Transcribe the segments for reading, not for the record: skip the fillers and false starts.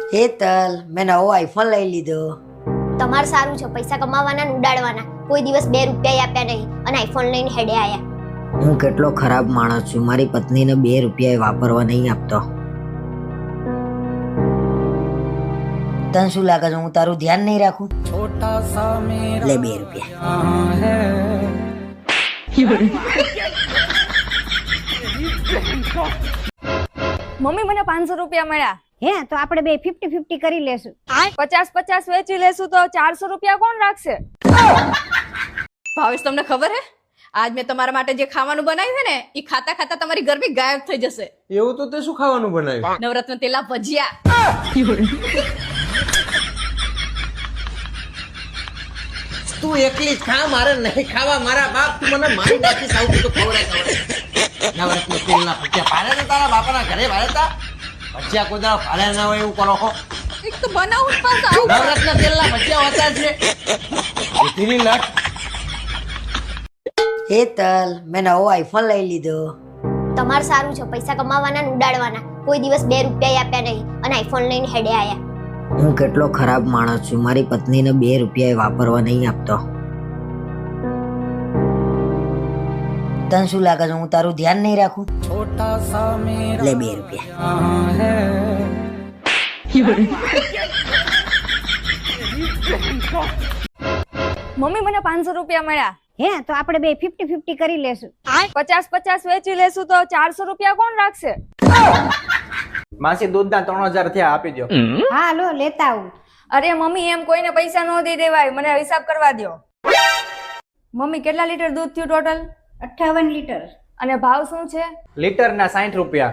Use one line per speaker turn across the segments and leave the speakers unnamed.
હેતલ, મેં નવો આઈફોન લઈ લીધો.
તમારે સારું છે, પૈસા કમાવાના ને ઉડાડવાના. કોઈ દિવસ 2 રૂપિયા આપ્યા નહીં અને આઈફોન લઈને હેડે આયા.
હું કેટલો ખરાબ માણસ છું, મારી પત્નીને 2 રૂપિયા વાપરવા નહીં આપતો. તને શું લાગે છે હું તારું ધ્યાન નહીં રાખું? લે 2 રૂપિયા.
મમ્મી મને 500 રૂપિયા મળ્યા.
હે તો આપણે બે 50-50 કરી લેશું.
50-50 વેચી લેશું તો 400 રૂપિયા કોણ રાખશે? ભાવેશ, તમને ખબર હે આજ મેં તમારા માટે જે ખાવાનું બનાવ્યું છે ને એ ખાતા ખાતા તમારી ગરમી ગાયબ થઈ જશે.
એવું તો તે શું ખાવાનું બનાવ્યું?
નવરત્ન તેલા ભજીયા.
તું એકલી જ ખા, મારે નહીં ખાવા. મારા બાપ તું મને મારી નાખી સાવ તો ખવડાય. નવરત્ન તેલના ભજીયા ભારે ને તારા બાપાના ઘરે ભારે તા ભજીયા કોઈ દાડા ભારે ના હોય એવું કરો છો.
એક તો બનાવું જ પાછા આવું.
નવરત્ન તેલના ભજીયા હોતા છે. ઉધીની લટ.
હેતલ, મેં નવો આઈફોન લઈ લીધો.
તમારે સારું છે, પૈસા કમાવાના ને ઉડાડવાના. કોઈ દિવસ 2 રૂપિયા આપ્યા નહીં અને આઈફોન લઈને હેડે આયા.
હું કેટલો ખરાબ માણસ છું, મારી પત્નીને 2 રૂપિયા વાપરવા નહીં આપતો. તને શું લાગે છે હું તારું ધ્યાન નહીં રાખું? લે 2 રૂપિયા.
મમ્મી મને 500 રૂપિયા મળ્યા.
હે તો આપણે બે 50-50 કરી લેશું.
50-50 વેચી લેશું તો 400 રૂપિયા કોણ રાખશે?
માસી દૂધના 3000 થયા, આપી દો.
હા લો લેતા આવું.
અરે મમ્મી, એમ કોઈને પૈસા ન દઈ દેવાય, મને હિસાબ કરવા દો. મમ્મી, કેટલા લીટર દૂધ થયું ટોટલ?
58 લીટર.
અને ભાવ શું છે?
લીટરના 60 રૂપિયા.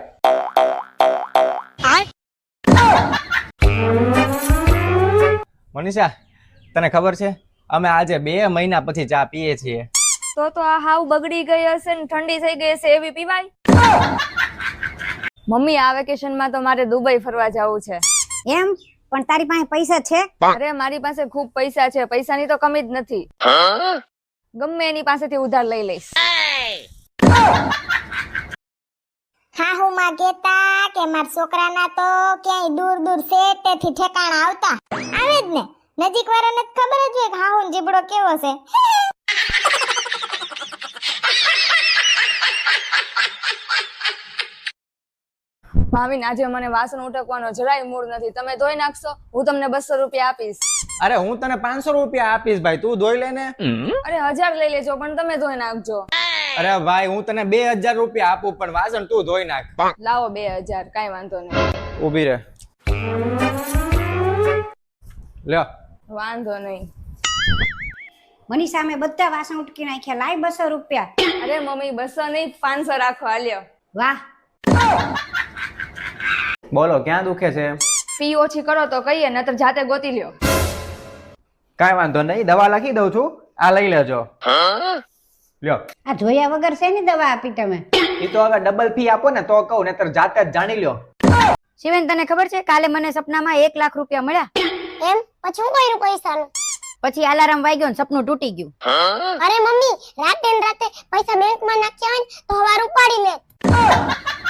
મનીષા, તને ખબર છે અમે આજે 2 મહિના પછી ચા પીએ છીએ.
તો આ હાવ બગડી ગઈ હશે ને ઠંડી થઈ ગઈ હશે એવી પીવાય? મમ્મી, આ વેકેશનમાં તો મારે દુબઈ ફરવા જવું છે.
એમ પણ તારી પાસે પૈસા છે?
અરે મારી પાસે ખૂબ પૈસા છે, પૈસાની તો કમી જ નથી. ગમે એની પાસેથી ઉધાર લઈ લઈશ.
હા હું માં કેતા કે મારા છોકરાના તો ક્યાંય દૂર દૂર છે તેથી ઠેકાણા આવતા આવે જ ને. નજીક વાળાને જ ખબર જ હોય કે હા હું જીબડો કેવો છે.
ભાવિન, આજે મને વાસણ ઉટકવાનો જરાય મૂડ નથી. તમે ધોઈ નાખશો? હું તમને 200 રૂપિયા આપીશ.
અરે હું તને 500 રૂપિયા આપીશ ભાઈ, તું ધોઈ લે ને.
અરે 1000 લઈ લેજો પણ તમે ધોઈ નાખજો.
અરે ભાઈ હું તને 2000 રૂપિયા આપું પણ વાસણ તું ધોઈ નાખ.
લાવો 2000, કાઈ વાંધો નહીં.
ઊભી રહે. લ્યો.
વાંધો નહીં.
મનીષા અમે બધા વાસણ ઉટકી નાખ્યા. લાય 200 રૂપિયા.
અરે મમ્મી, 200 નહીં 500 રાખો. હાલ્યો.
વાહ.
બોલો ક્યાં દુખે છે?
ફી ઓછી કરો તો કહીએ, નતર જાતે ગોતી લ્યો.
કાઈ વાંધો નહીં, દવા લખી દઉં છું, આ લઈ લેજો. લ્યો.
આ જોયા વગર શેની દવા આપી તમે?
ઈ તો હવે ડબલ ફી આપો ને તો કહું, નતર જાતે જ જાણી લ્યો.
શિવેન, તને ખબર છે કાલે મને સપનામાં 1 લાખ રૂપિયા મળ્યા?
એમ પછી હું કર્યું પૈસાનું?
પછી અલાર્મ વાગ્યો ને સપનું તૂટી ગયું.
અરે મમ્મી, રાતે ને રાતે પૈસા બેંકમાં નાખ્યા હોય ને તો હવાર ઉપાડી લે.